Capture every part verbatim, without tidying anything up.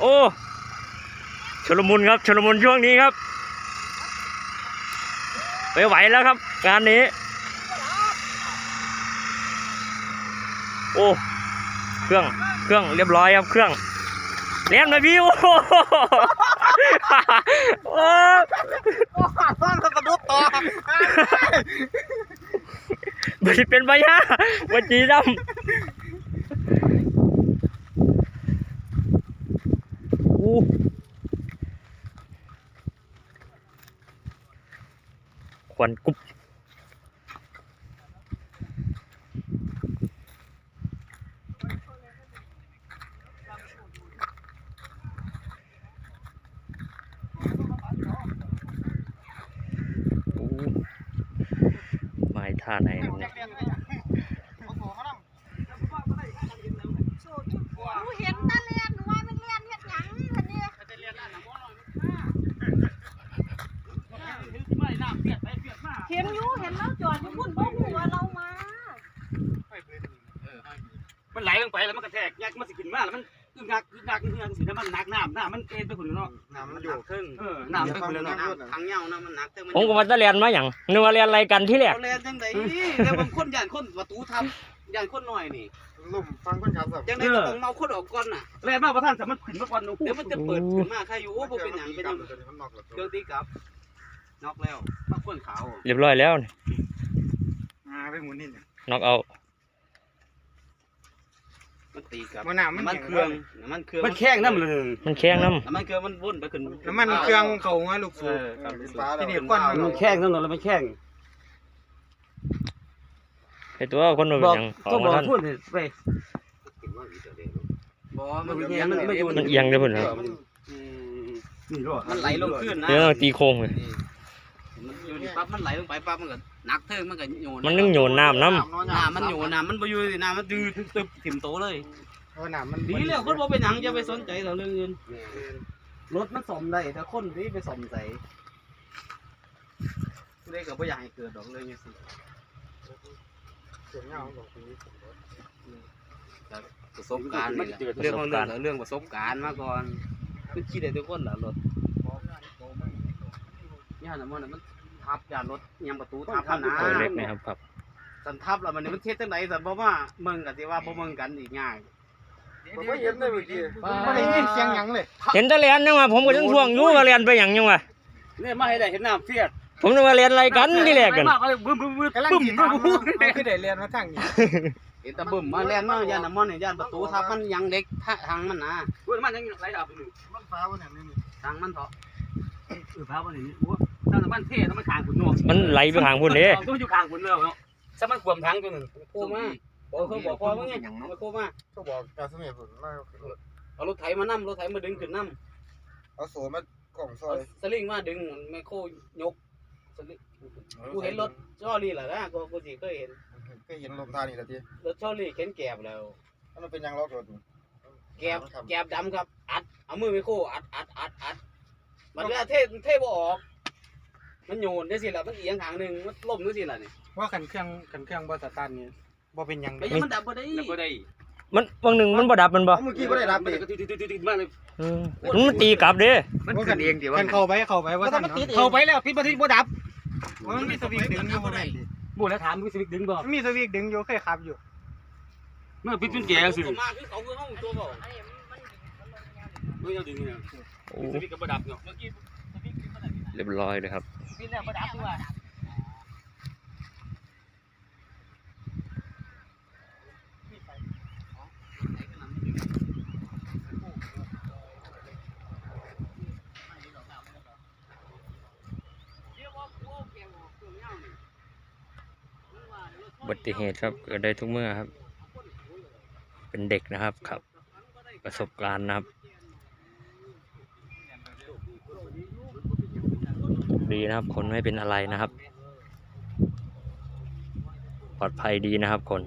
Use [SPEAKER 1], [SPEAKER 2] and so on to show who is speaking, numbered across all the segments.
[SPEAKER 1] โอ้ชลมุนครับชลมุนช่วงนี้ครับไม่ไหวแล้วครับงานนี้โอ้เครื่องเครื่องเรียบร้อยครับเครื่องเลี้ยงหน่อยพี่โอ้โหโอ้
[SPEAKER 2] ฟังกระดุกต่อ
[SPEAKER 1] ไม่เป็นไปฮะวันจีดำอู้ควันกุบไม้ท่าไหนครับเนี่ย
[SPEAKER 3] เห็นตาเลียนหนูว่ามันเลียนเห็ดหยังคันนี้เห็นอยู่เห็นเราจอดอยู่พุ่นบ่ฮู้ว่าเรามา
[SPEAKER 2] มันไหลลงไปแล้วมันกระแทกยักมันสิขึ้นมาแล้วมันอึ้งงักอึ้งงักอึ้งงักสิถ้ามันหนักน้ำน้ำมันเอ็นไปคนเนาะน้ำมันอยู่ครึ่งเออน้ำไปคนเนาะทางเงานะมันหนัก
[SPEAKER 1] ผมก็มาตะเรียนมาอย่างนึกว่าเรียนอะไรกันที่แรก
[SPEAKER 2] เรียนจังไดแต่บางคนย่านคนประตูทับย่านคนหน่อยนี่
[SPEAKER 4] ลุ่มฟังคนขับแบบ
[SPEAKER 2] จังไดก็ต้องเมาคนออกก่อนน่ะเรียนมาประธานสามารถขึ้นมาก่อนเดี๋ยวมันจะเปิดขึ้นมาใครอยู่บ่เป็นหยังเป็นหยังเครื่องตีกลับน็อกแล้วมาคนขาว
[SPEAKER 1] เรียบร้อยแล้ว
[SPEAKER 4] อ่าไปหมุนนี่เนี่ย
[SPEAKER 1] น็อกเอา
[SPEAKER 2] มันตีกับ
[SPEAKER 4] มันน้ำ
[SPEAKER 2] มันเครื่องมันเครื่องมันแข้งน้ำเลย
[SPEAKER 1] มันแข้งน้
[SPEAKER 2] ำมันเครื่องมันวนไปขึ้น
[SPEAKER 4] น้ำมันเครื่องเขาไงลูกสูบที่นี่ควัน
[SPEAKER 2] มันแข้งนั่นแล้วมันแข้ง
[SPEAKER 1] ไอตัวคนมันยัง
[SPEAKER 2] ก็บอกพูดไปบอกมันเอียงมันไม่อยู่
[SPEAKER 1] มันเอียงเลยพุ่นครับ
[SPEAKER 2] มันไหลลงขึ้นนะ
[SPEAKER 1] เดี๋ยวตีโค้งเลย
[SPEAKER 2] มันอยู่นี่ปั๊บมันไหลลงไปปั๊บมันก็นักเทิงมันก็โยน
[SPEAKER 1] มันนึงโยนน้ำน้ำ
[SPEAKER 2] น้ำมันโยนน้ำมันไปอยู่น้ำมันดื้อตึบถิ่มโตเลย
[SPEAKER 4] เพราะน้ำมัน
[SPEAKER 2] ดีแล้วคนบอกไปหนังจะไปสนใจเราเรื่องเงินรถมันสมได้แต่คนที่ไปสมใส่เรื่องกับไม่อยากให้เกิดดอกเลยนี่สิประสบการณ์เรื่องของเรื่องเรื่องประสบการณ์มาก่อนคือคิดได้ทุกคนแหละรถย่านมันมันทับย่านรถยังประตูทับนะ
[SPEAKER 1] เล็กนะครับครับ
[SPEAKER 2] สันทับแล้วมันมันเทศจังไหนสันบอกว่าเมืองกันที่ว่าบ่เมืองกันอีกง่าย
[SPEAKER 4] ไม่เห็นเลยเมื่อกี้ไม่ได้ยินเสียงหยังเลย
[SPEAKER 1] เห็นแต่เรียนยังวะผมก็ยังทวงอยู่ว่าเรียนไปอย่างยังวะ
[SPEAKER 2] เนี่ยมาให้ได้เห็นน้ำเฟียด
[SPEAKER 1] ผมนึกว่าเรียนอะไรกันที่แรกกัน
[SPEAKER 2] บึ้มบึ้มบึ้ม
[SPEAKER 4] กำลังกินบึ้มคือได้เรียนมาทั้งนี้
[SPEAKER 2] เห็นแต่บึ้มมาเรียนมาย่านน้ำมันเนี่ยย่านประตูทับมันยังเด็กทางมันนะมันยังไหลดับอยู่
[SPEAKER 4] มันฟ้าวันนี้นี่
[SPEAKER 2] ทางมันเถาะเออฟ้าวันนี้โอ้ถ้ามันเท่ถ้ามันขางขุนนวล
[SPEAKER 1] มันไหลไปขางขุนเด้
[SPEAKER 2] ต้องอยู่ขางขุนเนาะถ้ามันขวมทั้งตัวหนึ่งโค้มาบอกเขาบอกว่าไงมาโค้มา
[SPEAKER 4] เขาบอกการสมัยผมมา
[SPEAKER 2] เอารถไถมานั่มรถไถมาดึงขึ้นนั่ม
[SPEAKER 4] เอาโซ่มากล่องซอย
[SPEAKER 2] สลิงมาดึงไมโครยกกูเห็นรถชอรี่แหละนะกูกูสิเคยเห็น
[SPEAKER 4] เคยเห็นลมท่านี่แหละที
[SPEAKER 2] รถชอรี่เข็นแกบแล้ว
[SPEAKER 4] มันเป็นยังล็อกรถ
[SPEAKER 2] แกบแกบดำครับอัดเอามือไมโครอัดอัดอัดอัดมันเวลาเทเทบ่ออกมันโยนได้สิละมันเอียงทางหนึ่งมันล่มได้สิละนี่
[SPEAKER 4] ว่าขันเครื่องขันเครื่องบอสตันนี่บ่เป็นยัง
[SPEAKER 2] ไม่มันดับบ่ได้ดับบ่ได้
[SPEAKER 1] มันบางหนึ่งมันบ่ดับมันบ่
[SPEAKER 4] เมื่อกี้บ่ได้ดับเลย
[SPEAKER 1] มันตีกลับเด้
[SPEAKER 4] มันกันเองเดี๋ยวมันเข้าไปเข้าไปว่า
[SPEAKER 2] เข้าไปแล้วปิดบ่ที่บ่ดับ
[SPEAKER 4] มันมีสวิกดึงอยู่บ่ได้
[SPEAKER 2] บ่แล้วถามมีสวิกดึงบ่
[SPEAKER 4] มีสวิกดึงอยู่เคยขับอยู่
[SPEAKER 2] เมื่อปิดเป็นแก่สิมาคือเขาคือห้องตัวบ่เมื่อดึงเนี่ยสวิกก็บ่ดับเนาะเมื่อกี้
[SPEAKER 1] เรียบร้อยเลยครับ
[SPEAKER 2] ปิดแล้วบ่ดับด้วย
[SPEAKER 1] อุบัติเหตุครับเกิดได้ทุกเมื่อครับเป็นเด็กนะครับครับประสบการณ์นะครับดีนะครับคนไม่เป็นอะไรนะครับปลอดภัยดีนะครับคน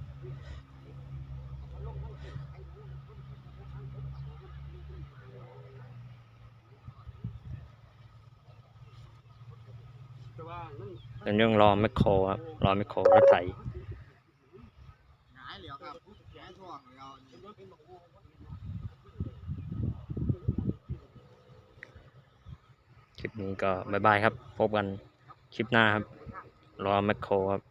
[SPEAKER 1] เป็นเรื่องรอแมคโครครับรอแมคโครรถไถคลิปนี้ก็บายบายครับ พบกันคลิปหน้าครับ รอแมคโครครับ